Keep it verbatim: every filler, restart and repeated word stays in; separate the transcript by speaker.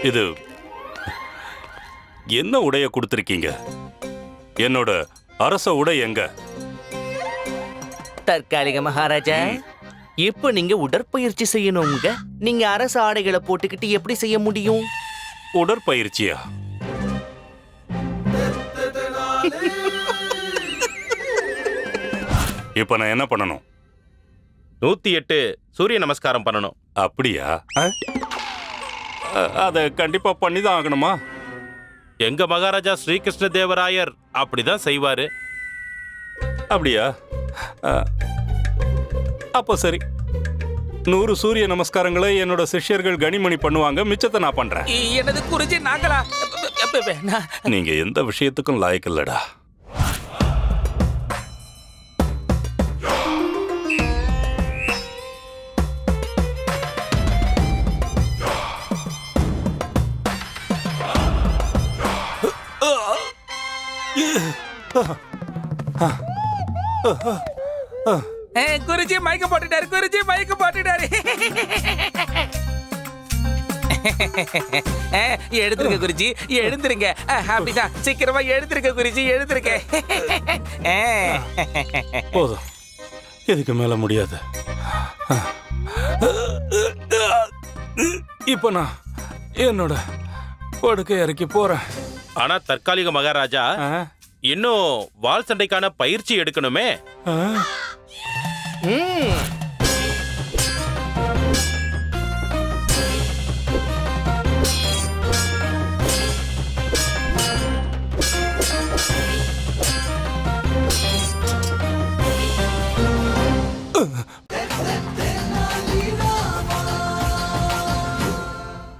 Speaker 1: இது என்ன உடைய கொடுத்திருக்கீங்க? என்னோட அரச உடை எங்க?
Speaker 2: தற்காலிக மகாராஜா, இப்ப நீங்க உடற்பயிற்சி செய்யணுங்க. நீங்க அரசு ஆடைகளை போட்டுக்கிட்டு எப்படி செய்ய முடியும்?
Speaker 1: உடற்பயிற்சியா? இப்ப நான் என்ன பண்ணணும்?
Speaker 3: நூத்தி எட்டு சூரிய நமஸ்காரம் பண்ணணும்.
Speaker 1: அப்படியா? அத கண்டிப்பா பண்ணிதான் ஆகணுமா?
Speaker 3: எங்க மகாராஜா ஸ்ரீகிருஷ்ண தேவராயர் அப்படிதான் செய்வாரு.
Speaker 1: அப்படியா? அப்போ சரி, நூறு சூரிய நமஸ்காரங்களை என்னோட சிஷ்யர்கள் கனிமணி பண்ணுவாங்க, மிச்சத்தை நான் பண்றேன்.
Speaker 2: எனது குருஜி நாங்களா?
Speaker 1: நீங்க எந்த விஷயத்துக்கும் லாயக்கில்லடா.
Speaker 2: குருஜி மயக்க போட்டுட்டாரு. குருஜி மயக்க போட்டுட்டாரு. எழுந்திருங்க குருஜி, எழுந்திருங்க. அப்படிதான், சீக்கிரமா எழுந்திருங்க குருஜி, எழுந்திருங்க.
Speaker 1: போதும், இதுக்கு மேல முடியாது. இப்ப நான் என்னோட படுக்கை இறக்கி போறேன்.
Speaker 3: ஆனா தற்காலிக மகாராஜா, இன்னும் வால் சண்டைக்கான பயிற்சி எடுக்கணுமே.
Speaker 2: ம்